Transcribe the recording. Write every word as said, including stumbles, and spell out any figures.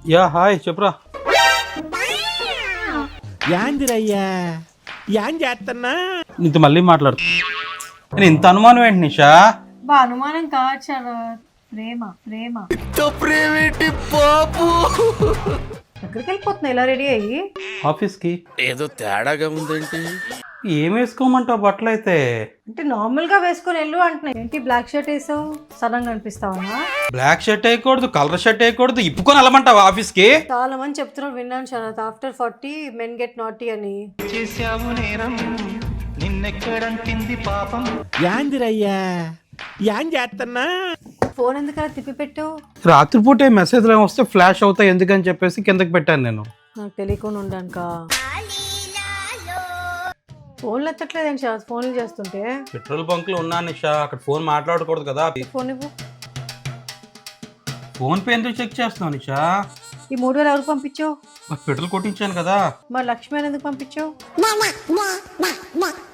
Yeah hi చెప్పురా. యాందిరయ్యా యాం చేస్తున్నా నీతో మళ్ళీ మాట్లాడుతా. నేను ఇంత అనుమానం ఏంటి నిషా? బా అనుమానం కాదు శరత్, ప్రేమ ప్రేమ. ప్రేమేంటి పాపు? ఎక్కడికి వెళ్ళిపోతున్నా ఇలా రెడీ అయ్యి? ఆఫీస్కి. ఏదో తేడాగా ఉందేంటి? ఏం వేసుకోమంటావు బట్టలు అయితే? అంటే నార్మల్ గా వేసుకొని వెళ్ళు అంటున్నా. ఏంటి బ్లాక్ షర్ట్ వేసావు, సడన్గా అనిపిస్తావా? బ్లాక్ షర్ట్ వేయకూడదు, కలర్ షర్ట్ వేయకూడదు, ఇప్పుకొని వెళ్ళమంటావా ఆఫీస్కి? చాలా మంది చెప్తున్నారు, విన్నాను Sharath. After forty men get naughty అని. యాందిరయ్యా యాం చేస్తున్నా? ఫోన్ ఎందుకలా తిప్పి పెట్టావు? రాత్రిపూట మెసేజ్లు ఏమి వస్తే ఫ్లాష్ అవుతాయి ఎందుకని చెప్పేసి కిందకి పెట్టాను నేను. నాకు తెలియకుండా ఉండానుకా. ఫోన్లు ఎత్తట్లేదేంటి శరత్? ఫోన్లు చేస్తుంటే. పెట్రోల్ బంక్ లో ఉన్నా నిషా, అక్కడ ఫోన్ మాట్లాడకూడదు కదా. ఫోన్ ఇవ్వు. ఫోన్ పే ఎందుకు చెక్ చేస్తున్నావు నిషా? ఈ మూడు వేలు ఎవరికి పంపించావు? పెట్రోల్ కొట్టించాను కదా. మరి లక్ష్మి ఎందుకు పంపించావు?